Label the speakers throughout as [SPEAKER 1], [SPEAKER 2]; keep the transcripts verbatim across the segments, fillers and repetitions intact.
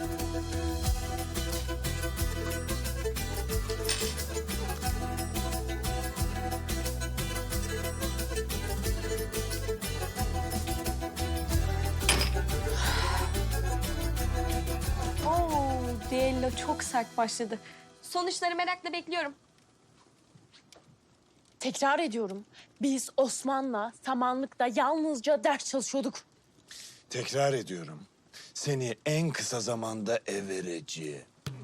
[SPEAKER 1] Oo, düello çok sert başladı. Sonuçları merakla bekliyorum.
[SPEAKER 2] Tekrar ediyorum. Biz Osman'la samanlıkta yalnızca ders çalışıyorduk.
[SPEAKER 3] Tekrar ediyorum. Seni en kısa zamanda ev vereceğim.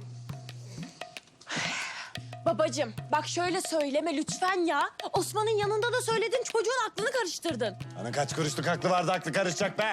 [SPEAKER 2] Babacığım bak şöyle söyleme lütfen ya. Osman'ın yanında da söyledin, çocuğun aklını karıştırdın.
[SPEAKER 3] Ana kaç kuruşluk aklı vardı, aklı karışacak be.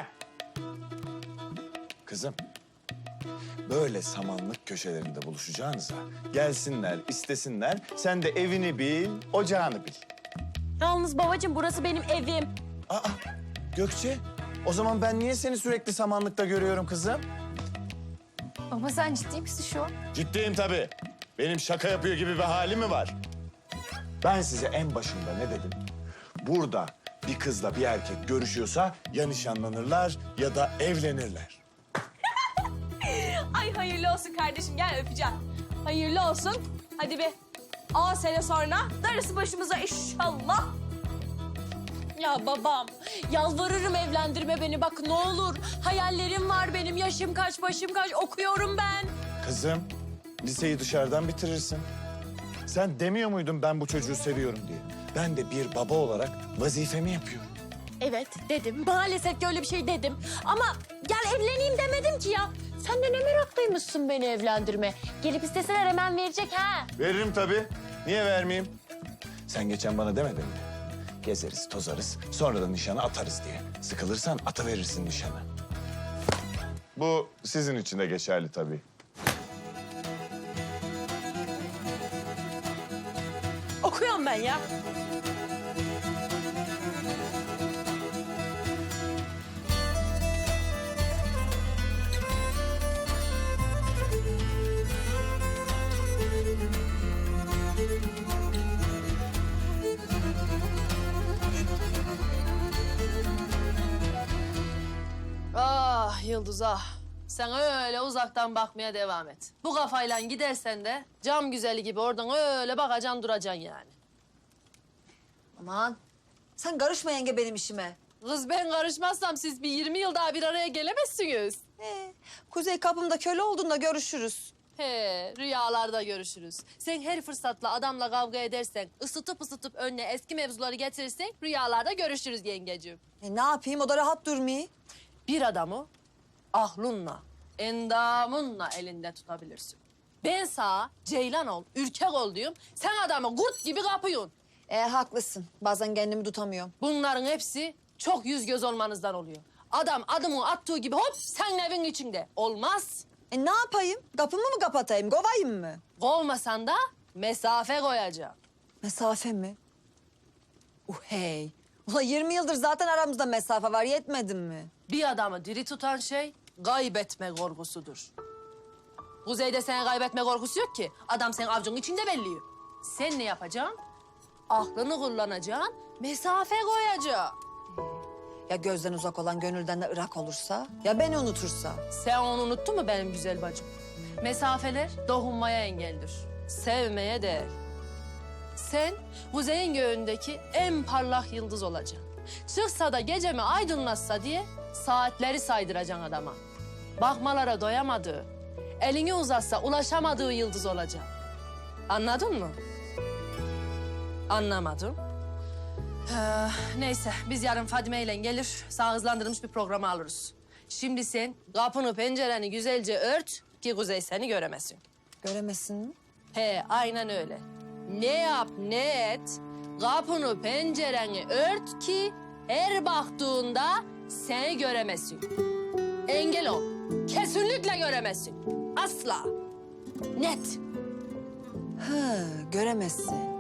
[SPEAKER 3] Kızım, böyle samanlık köşelerinde buluşacağınıza gelsinler, istesinler. Sen de evini bil, ocağını bil.
[SPEAKER 2] Yalnız babacığım burası benim evim.
[SPEAKER 3] Aa, Gökçe, o zaman ben niye seni sürekli samanlıkta görüyorum kızım?
[SPEAKER 1] Baba sen ciddi misin şu an?
[SPEAKER 3] Ciddiyim tabii. Benim şaka yapıyor gibi bir hali mi var? Ben size en başında ne dedim? Burada bir kızla bir erkek görüşüyorsa ya nişanlanırlar ya da evlenirler.
[SPEAKER 1] Ay hayırlı olsun kardeşim, gel öpeceğim. Hayırlı olsun. Hadi be. On sene sonra darısı başımıza inşallah.
[SPEAKER 2] Ya babam, yalvarırım evlendirme beni bak ne olur. Hayallerim var benim, yaşım kaç, başım kaç, okuyorum ben.
[SPEAKER 3] Kızım, liseyi dışarıdan bitirirsin. Sen demiyor muydun ben bu çocuğu seviyorum diye? Ben de bir baba olarak vazifemi yapıyorum.
[SPEAKER 2] Evet dedim, maalesef ki öyle bir şey dedim. Ama gel evleneyim demedim ki ya. Sen de ne meraklıymışsın beni evlendirme. Gelip isteseler hemen verecek ha.
[SPEAKER 3] Veririm tabii. Niye vermeyeyim? Sen geçen bana demedin mi? Gezeriz, tozarız, sonra da nişanı atarız diye. Sıkılırsan atıverirsin nişanı. Bu sizin için de geçerli tabii.
[SPEAKER 2] Okuyorum ben ya.
[SPEAKER 4] Ah Yıldız ah. Sen öyle uzaktan bakmaya devam et. Bu kafayla gidersen de cam güzeli gibi oradan öyle bakacaksın duracaksın yani.
[SPEAKER 5] Aman sen karışma yenge benim işime.
[SPEAKER 4] Kız ben karışmazsam siz bir yirmi yıl daha bir araya gelemezsiniz.
[SPEAKER 5] Ee, Kuzey kapımda köle olduğunda görüşürüz.
[SPEAKER 4] He, rüyalarda görüşürüz. Sen her fırsatla adamla kavga edersen, ısıtıp ısıtıp önüne eski mevzuları getirirsen rüyalarda görüşürüz yengeciğim.
[SPEAKER 5] E, ne yapayım o da rahat durmuyor.
[SPEAKER 4] Bir adamı ahlunla, endamınla elinde tutabilirsin. Ben sana ceylan ol, ürkek ol diyorum. Sen adamı kurt gibi kapıyorsun.
[SPEAKER 5] E, haklısın bazen kendimi tutamıyorum.
[SPEAKER 4] Bunların hepsi çok yüz göz olmanızdan oluyor. Adam adımı attığı gibi hop sen evin içinde. Olmaz.
[SPEAKER 5] E, ne yapayım kapımı mı kapatayım kovayım mı?
[SPEAKER 4] Kovmasan da mesafe koyacağım.
[SPEAKER 5] Mesafe mi? Uh hey. Ulan yirmi yıldır zaten aramızda mesafe var yetmedin mi?
[SPEAKER 4] Bir adamı diri tutan şey kaybetme korkusudur. Kuzey'de senin kaybetme korkusu yok ki. Adam senin avcunun içinde belliyor. Sen ne yapacaksın? Aklını kullanacaksın, mesafe koyacaksın.
[SPEAKER 5] Ya gözden uzak olan gönülden de ırak olursa? Ya beni unutursa?
[SPEAKER 4] Sen onu unuttun mu benim güzel bacım? Mesafeler dokunmaya engeldir. Sevmeye değil. Sen kuzeyin göğündeki en parlak yıldız olacaksın. Çıksa da gecemi aydınlatsa diye saatleri saydıracaksın adama. Bakmalara doyamadığı, elini uzatsa ulaşamadığı yıldız olacaksın. Anladın mı? Anlamadım. Ee, neyse biz yarın Fadime ile gelir sağ hızlandırılmış bir programı alırız. Şimdi sen kapını pencereni güzelce ört ki Kuzey seni göremesin.
[SPEAKER 5] Göremesin mi?
[SPEAKER 4] He aynen öyle. Ne yap ne et kapını pencereni ört ki her baktığında seni göremesin. Engel ol. Kesinlikle göremesin. Asla. Net.
[SPEAKER 5] Hı, göremezsin.